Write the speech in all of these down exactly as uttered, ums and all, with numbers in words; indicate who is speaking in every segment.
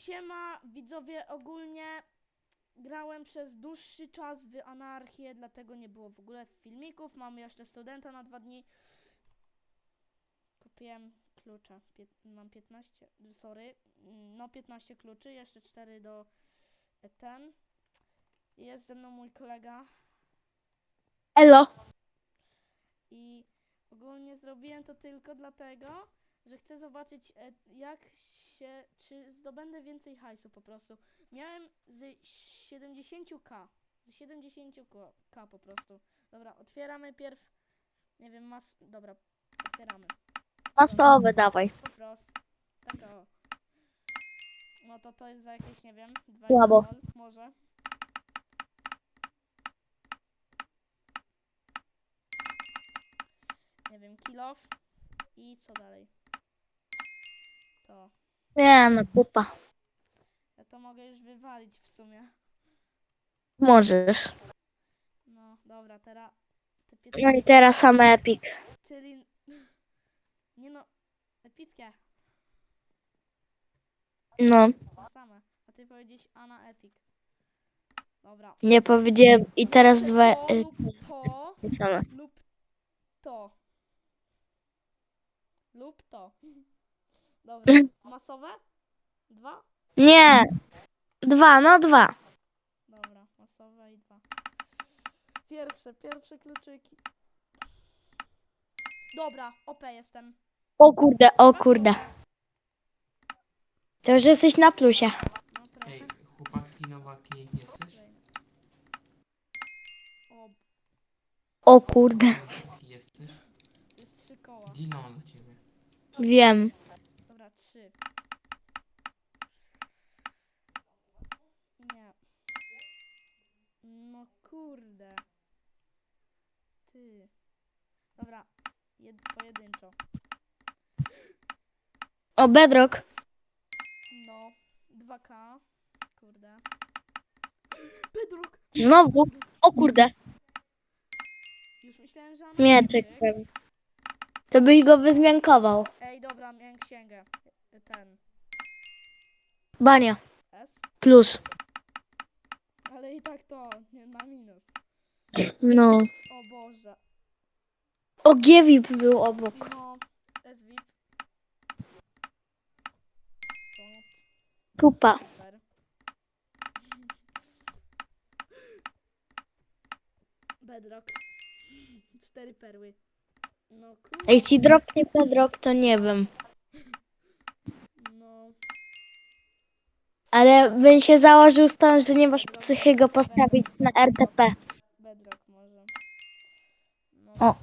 Speaker 1: Siema, widzowie, ogólnie grałem przez dłuższy czas w Anarchię, dlatego nie było w ogóle filmików. Mamy jeszcze studenta na dwa dni. Kupiłem klucze. Pię mam piętnaście, sorry, no piętnaście kluczy, jeszcze cztery do ten. Jest ze mną mój kolega.
Speaker 2: Elo.
Speaker 1: I ogólnie zrobiłem to tylko dlatego, że chcę zobaczyć, jak się, czy zdobędę więcej hajsu po prostu. Miałem z siedemdziesiąt ka, z siedemdziesiąt ka po prostu. Dobra, otwieramy pierw, nie wiem, mas, dobra, otwieramy.
Speaker 2: Masowe dawaj.
Speaker 1: Po prostu, tak o. No to to jest za jakieś, nie wiem, dwadzieścia
Speaker 2: Słabo.
Speaker 1: gol, może. Nie wiem, kill off. I co dalej? To.
Speaker 2: Nie no, pupa.
Speaker 1: Ja to mogę już wywalić w sumie.
Speaker 2: Możesz.
Speaker 1: No, dobra, teraz te
Speaker 2: No i
Speaker 1: piętnaście.
Speaker 2: teraz same epic.
Speaker 1: Czyli... Nie no, epickie.
Speaker 2: No,
Speaker 1: To są same. A ty powiedziałeś Ana Epic. Dobra.
Speaker 2: nie powiedziałem. I
Speaker 1: Ja
Speaker 2: teraz
Speaker 1: chcę
Speaker 2: dwa
Speaker 1: to lub to
Speaker 2: y, same.
Speaker 1: lub to. Lub to. Dobra. Masowe? Dwa?
Speaker 2: Nie. Dwa, no dwa.
Speaker 1: Dobra, masowe i dwa. Pierwsze, pierwsze kluczyki. Dobra, O P jestem.
Speaker 2: O kurde, o
Speaker 1: Dwa
Speaker 2: kurde.
Speaker 1: klucze.
Speaker 2: To już jesteś na plusie.
Speaker 1: No trochę.
Speaker 3: Ej, chłopaki, nowaki, jesteś?
Speaker 1: Kolejne. O,
Speaker 2: O kurde.
Speaker 3: Nowaki, jesteś?
Speaker 1: to jest trzy koła.
Speaker 3: Dino dla ciebie.
Speaker 2: Wiem.
Speaker 1: Dobra, trzy. Nie. No kurde. Ty. Dobra, jed pojedynczo.
Speaker 2: O, Bedrock.
Speaker 1: No, dwa ka. Kurde. Bedrock!
Speaker 2: Znowu. O kurde.
Speaker 1: Już myślałem, że ona
Speaker 2: Mieczek.
Speaker 1: mieczyk.
Speaker 2: To byś go wyzmiankował.
Speaker 1: Ej, dobra, miałem księgę. Ten.
Speaker 2: Bania.
Speaker 1: S.
Speaker 2: Plus.
Speaker 1: Ale i tak to, nie, na minus.
Speaker 2: No.
Speaker 1: O Boże.
Speaker 2: O, G V I P był obok.
Speaker 1: No, S V I P. To
Speaker 2: Pupa.
Speaker 1: super. Bedrock. Cztery perły. No kurde.
Speaker 2: Jak ci dropnie Bedrock, to nie wiem.
Speaker 1: No.
Speaker 2: Ale bym się założył z tym, że nie masz
Speaker 1: Bedrock,
Speaker 2: psychy go postawić
Speaker 1: Bedrock,
Speaker 2: na R T P.
Speaker 1: Bedrock może. No.
Speaker 2: O.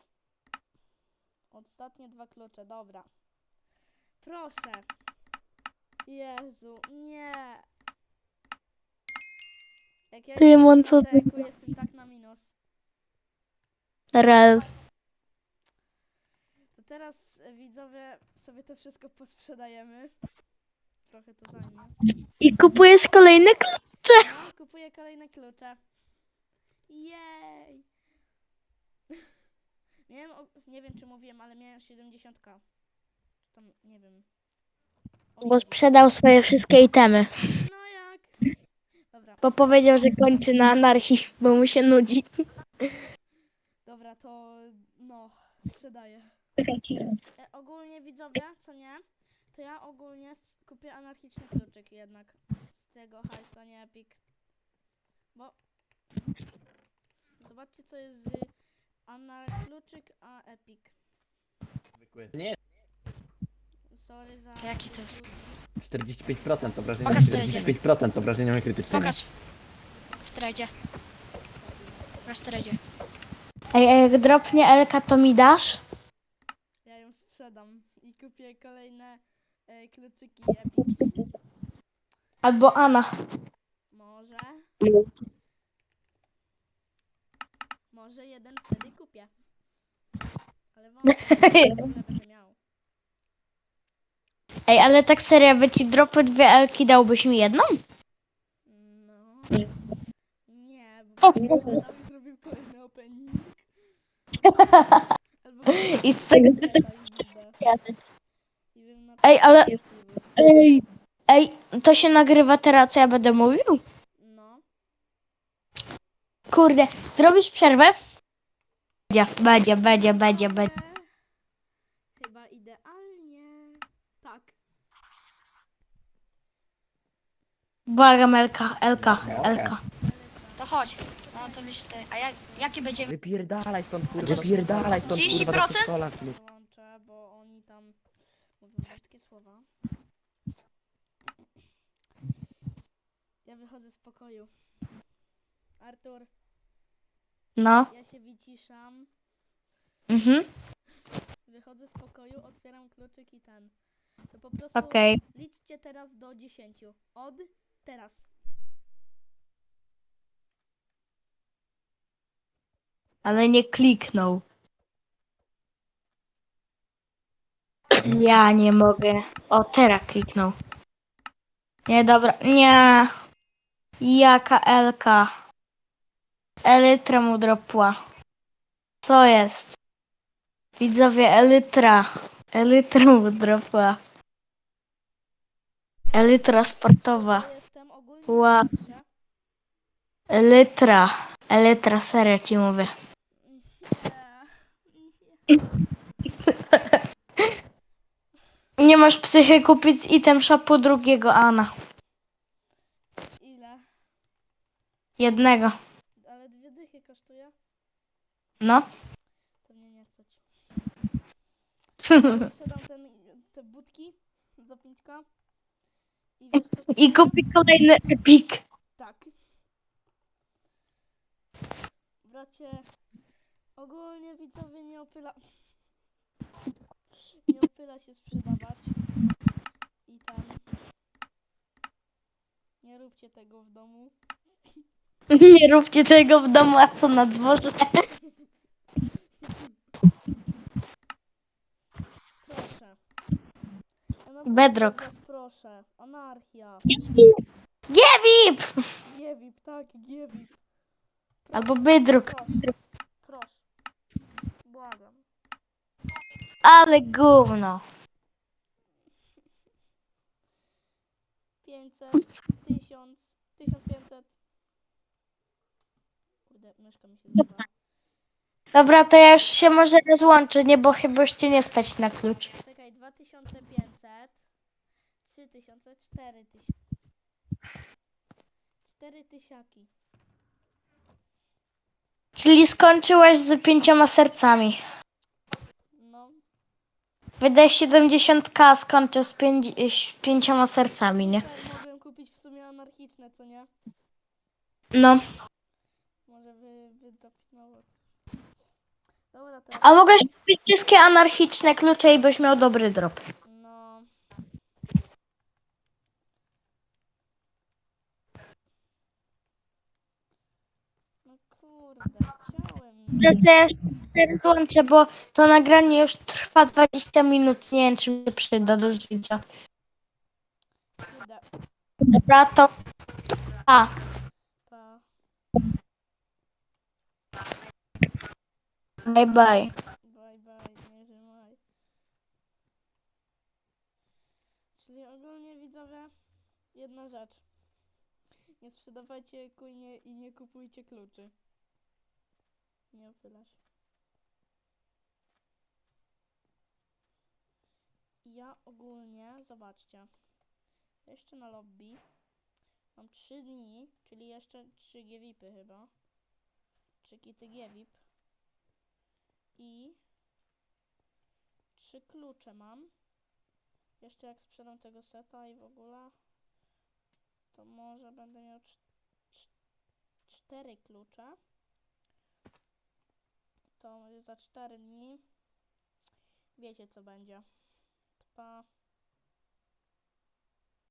Speaker 1: Ostatnie dwa klucze, dobra. Proszę. Jezu, nie. Jak ja
Speaker 2: Tymon,
Speaker 1: jestem
Speaker 2: co
Speaker 1: na
Speaker 2: ty?
Speaker 1: deku, jestem tak na minus.
Speaker 2: Rel.
Speaker 1: To teraz e, widzowie sobie to wszystko posprzedajemy. Trochę to zajmie.
Speaker 2: I kupujesz kolejne klucze.
Speaker 1: No, kupuję kolejne klucze. Jej! Miałem, o- nie wiem czy mówiłem, ale miałem siedemdziesiąt ka. Czy tam, nie wiem.
Speaker 2: Bo
Speaker 1: osiemdziesiąt.
Speaker 2: sprzedał swoje wszystkie itemy.
Speaker 1: No jak? Dobra,
Speaker 2: Bo powiedział, że kończy na anarchii, bo mu się nudzi.
Speaker 1: dobra, to no, sprzedaję. E, ogólnie widzowie, co nie? To ja ogólnie s- kupię anarchiczny kluczyk jednak z tego hajsu, a nie Epic. Bo zobaczcie co jest z anar kluczyk a Epic.
Speaker 4: Zwykły. Nie,
Speaker 1: Sorry za...
Speaker 5: To jaki to jest?
Speaker 4: czterdzieści pięć procent obrażenia,
Speaker 5: Pokaż
Speaker 4: czterdzieści pięć procent obrażeniami krytycznymi.
Speaker 5: Pokaż. W tradzie. Na tradzie.
Speaker 2: Ej, a jak dropnie Elka, to mi dasz?
Speaker 1: Ja ją sprzedam i kupię kolejne e, kluczyki Epic.
Speaker 2: Albo Ana.
Speaker 1: Może... Może jeden wtedy kupię. Ale wątpię, że w ogóle będę miał.
Speaker 2: Ej, ale tak serio, by ci dropy dwie Elki, dałbyś mi jedną?
Speaker 1: No. Nie, bo bym sprzedał i zrobił kolejny opening. Albo kupił
Speaker 2: I z tego
Speaker 1: seta i bizda. I bym na
Speaker 2: Ej, ale-
Speaker 1: Steve'ów.
Speaker 2: Ej, Ej, to się nagrywa teraz, co ja będę mówił?
Speaker 1: No.
Speaker 2: Kurde, zrobisz przerwę? Będzie, będzie, będzie, będzie,
Speaker 1: Widzowie,
Speaker 2: będzie.
Speaker 1: Chyba idealnie. Tak.
Speaker 2: Błagam, Elka, Elka,
Speaker 4: No,
Speaker 2: Elka.
Speaker 5: To chodź. No to mi się staje. A jak, jaki będzie?
Speaker 4: Wypierdalaj stąd, kurwa,
Speaker 5: Chociaż-
Speaker 4: wypierdalaj stąd,
Speaker 5: trzydzieści
Speaker 4: kurwa, do
Speaker 5: procent?
Speaker 4: przedszkola, kurwa.
Speaker 1: Wyłączę, bo oni tam mówią brzydkie słowa. Ja wychodzę z pokoju. Artur,
Speaker 2: No,
Speaker 1: ja się wyciszam.
Speaker 2: mhm,
Speaker 1: Wychodzę z pokoju, otwieram kluczyk i ten. To po prostu
Speaker 2: okej.
Speaker 1: liczcie teraz do dziesięciu. Od teraz.
Speaker 2: Ale nie kliknął. Ja nie mogę. O, teraz kliknął. Nie, dobra, nie. Jaka Elka? Elytra mu dropła. Co jest? Widzowie, Elytra. Elytra mu dropła. Elytra sportowa.
Speaker 1: Ja jestem ogólnie
Speaker 2: Ła.
Speaker 1: na patrzę.
Speaker 2: Elytra. Elytra, serio ci mówię.
Speaker 1: Nie. Nie.
Speaker 2: Nie masz psychy kupić z item shopu drugiego Ana.
Speaker 1: Ile?
Speaker 2: Jednego.
Speaker 1: Ale dwie dychy kosztuje?
Speaker 2: No.
Speaker 1: To mnie nie stać. Ja sprzedam ten, te budki za pięćka. I wiesz co
Speaker 2: I
Speaker 1: kupię?
Speaker 2: kupi kolejny epik.
Speaker 1: Tak. Bracie, ogólnie widzowie nie opyla... Nie opyla się sprzedawać. I ten... Nie róbcie tego w domu.
Speaker 2: Nie róbcie tego w domu, a co na dworze.
Speaker 1: Proszę. Ja naprawdę
Speaker 2: Bedrock.
Speaker 1: was proszę. Anarchia.
Speaker 2: Giewip!
Speaker 1: Giewip, tak, giewip.
Speaker 2: Albo bydruk.
Speaker 1: Proszę. Proszę. Błagam.
Speaker 2: Ale gówno.
Speaker 1: pięćset, tysiąc, tysiąc pięćset. Kurde, myszka mi się zjebała.
Speaker 2: Dobra, to ja już się może rozłączę, nie, bo chyba już cię nie stać na klucz.
Speaker 1: Czekaj, dwa tysiące pięćset, trzy tysiące, cztery tysiące. cztery tysiaki.
Speaker 2: Czyli skończyłeś z pięcioma sercami.
Speaker 1: No,
Speaker 2: Wydaj siedemdziesiąt ka, a skończył z pięć, z pięcioma sercami, nie?
Speaker 1: super, mogłem kupić w sumie anarchiczne, co nie?
Speaker 2: No.
Speaker 1: Może wy, wydopinowo. Dobra, teraz.
Speaker 2: A mogłeś kupić wszystkie anarchiczne klucze i byś miał dobry drop.
Speaker 1: No. No kurde, chciałem.
Speaker 2: Że też się rozłączę, bo to nagranie już trwa dwadzieścia minut. Nie wiem, czy mi się przyda do życia.
Speaker 1: Kurde,
Speaker 2: Dobra, to... A,
Speaker 1: pa.
Speaker 2: bye bye.
Speaker 1: Bye bye, nie żymaj. Czyli ogólnie widzowie, jedna rzecz. Nie sprzedawajcie kujnie i nie kupujcie kluczy. Nie opylasz. Ja ogólnie, zobaczcie. Jeszcze na lobby mam trzy dni, czyli jeszcze trzy giewipy chyba. trzy kity giewip. I trzy klucze mam. Jeszcze jak sprzedam tego seta i w ogóle, to może będę miał cz cz cztery klucze. To za cztery dni wiecie co będzie. Pa.